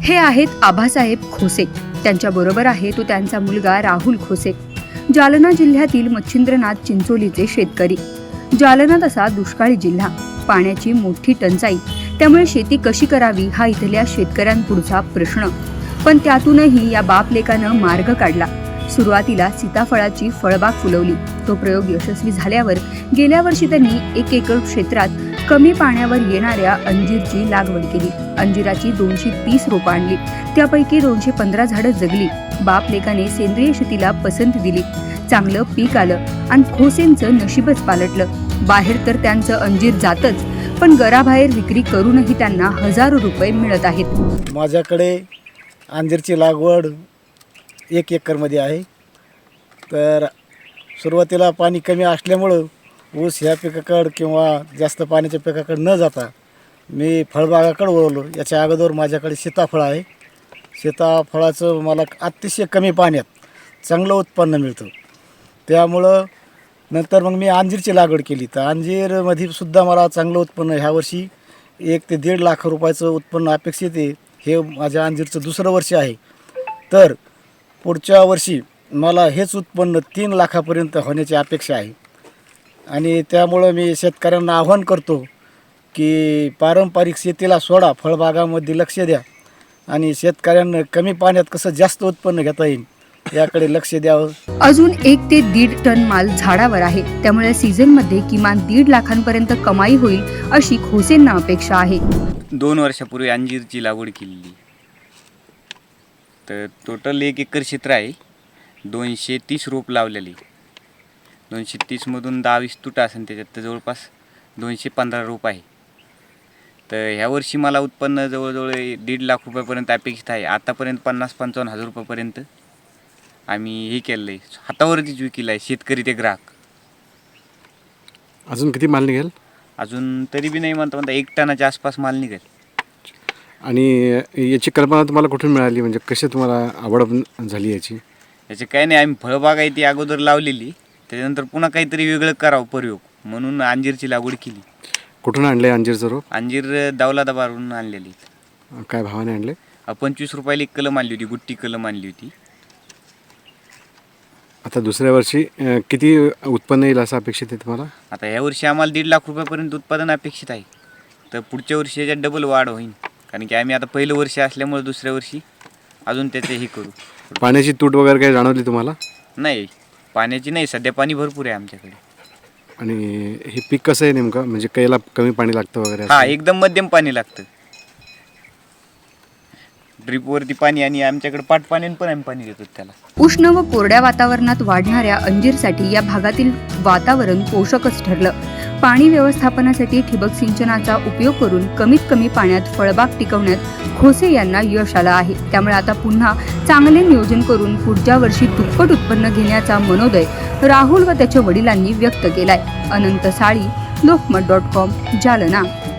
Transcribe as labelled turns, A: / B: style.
A: हे आहेत आभासाहेब खोसे. त्यांच्याबरोबर आहे तो त्यांचा मुलगा राहुल खोसे. जालना जिल्ह्यातील मच्छिंद्रनाथ चिंचोलीचे शेतकरी. जालना तसा दुष्काळी जिल्हा, पाण्याची मोठी टंचाई, त्यामुळे शेती कशी करावी हा इथल्या शेतकऱ्यांपुढचा प्रश्न. पण त्यातूनही या बापलेकानं मार्ग काढला. सुरुवातीला सीताफळाची फळबाग फुलवली. तो प्रयोग यशस्वी झाल्यावर गेल्या वर्षी त्यांनी 1 एकर क्षेत्रात कमी पाण्यावर येणाऱ्या अंजीरची लागवड केली. अंजिराची 230 रोपं आणली. त्यापैकी 215 झाडं जगली. बापलेकाने सेंद्रिय शेतीला पसंती दिली. चांगलं पीक आलं आणि खोसेंचं नशीबच पालटलं. बाहेर तर त्यांचं अंजीर जातच, पण घराबाहेर विक्री करूनही त्यांना हजारो रुपये मिळत आहेत.
B: माझ्याकडे अंजीरची लागवड 1 एकरमध्ये आहे. तर सुरुवातीला पाणी कमी असल्यामुळं ऊस ह्या पिकाकडं किंवा जास्त पाण्याच्या पिकाकडं न जाता मी फळबागाकडे वळलो. याच्या अगोदर माझ्याकडे सीताफळ आहे. सीताफळाचं मला अतिशय कमी पाण्यात चांगलं उत्पन्न मिळतं. त्यामुळं नंतर मग मी अंजीरची लागवड केली. तर अंजीरमध्ये सुद्धा मला चांगलं उत्पन्न ह्या वर्षी 1 ते 1.5 लाख रुपयाचं उत्पन्न अपेक्षित आहे. हे माझ्या अंजीरचं दुसरं वर्ष आहे. तर पुढच्या वर्षी मला हेच उत्पन्न 3 लाखापर्यंत होण्याची अपेक्षा आहे. आणि त्यामुळं मी शेतकऱ्यांना आव्हान करतो की पारंपरिक शेतीला सोडा, फळबागामध्ये लक्ष द्या आणि शेतकऱ्यांना कमी पाण्यात कसं जास्त उत्पन्न घेता येईल याकडे लक्ष द्यावं.
A: अजून 1 ते 1.5 टन माल झाडावर आहे. त्यामुळे सीझनमध्ये किमान 1.5 लाखांपर्यंत कमाई होईल अशी खोसेंना अपेक्षा आहे.
C: 2 वर्षापूर्वी अंजीरची लागवड केलेली. तर टोटल 1 एकर क्षेत्र आहे. 230 रोप लावलेली. 230मधून 10-20 तुटा असेल, त्याच्यात तर जवळपास 215 रोप आहे. तर ह्या वर्षी मला उत्पन्न जवळजवळ 1.5 लाख रुपयापर्यंत अपेक्षित आहे. आतापर्यंत 50-55 हजार रुपयापर्यंत आम्ही हे केलं आहे. हातावरतीच विकलं आहे, शेतकरी ते ग्राहक.
D: अजून किती माल निघेल?
C: अजून तरी बी नाही म्हणता 1 टनाच्या आसपास माल निघेल.
D: आणि याची कल्पना तुम्हाला कुठून मिळाली, म्हणजे कशी तुम्हाला आवड झाली याची?
C: याचे काय नाही, आम्ही फळबाग आहे ती अगोदर लावलेली. त्याच्यानंतर पुन्हा काहीतरी वेगळं करावं प्रयोग म्हणून अंजीरची लागवड केली.
D: कुठून आणले अंजीरचं रोप?
C: अंजीर दौलताबादवरून आणलेली.
D: काय भावाने आणले?
C: 25 रुपयाला 1 कलम आणली होती, गुट्टी कलम आणली होती.
D: आता दुसऱ्या वर्षी किती उत्पन्न येईल असं अपेक्षित आहे तुम्हाला?
C: आता ह्या वर्षी आम्हाला 1.5 लाख रुपयापर्यंत उत्पादन अपेक्षित आहे. तर पुढच्या वर्षी याच्यात डबल वाढ होईल, कारण की आम्ही आता पहिलं वर्ष असल्यामुळे दुसऱ्या वर्षी अजून त्याचे हे करू.
D: पाण्याची तूट वगैरे काही जाणवली तुम्हाला?
C: नाही, पाण्याची नाही, सध्या पाणी भरपूर आहे आमच्याकडे.
D: आणि हे पीक कसं आहे नेमकं, म्हणजे कैला कमी पाणी लागतं वगैरे?
C: हां, एकदम मध्यम पाणी लागतं. ड्रीपवरती पाणी आणि आमच्याकडे पाटपाण्याने पण आम्ही पाणी देतो त्याला.
A: उष्ण व कोरड्या वातावरणात वाढणाऱ्या अंजीरसाठी या भागातील वातावरण पोषकच ठरलं. पाणी व्यवस्थापनासाठी ठिबक सिंचनाचा उपयोग करून कमीत कमी पाण्यात फळबाग टिकवण्यात खोसे यांना यश आलं आहे. त्यामुळे आता पुन्हा चांगले नियोजन करून पुढच्या वर्षी दुप्पट उत्पन्न घेण्याचा मनोदय राहुल व त्याच्या वडिलांनी व्यक्त केलाय. अनंत साळी, लोकमत.com, जालना.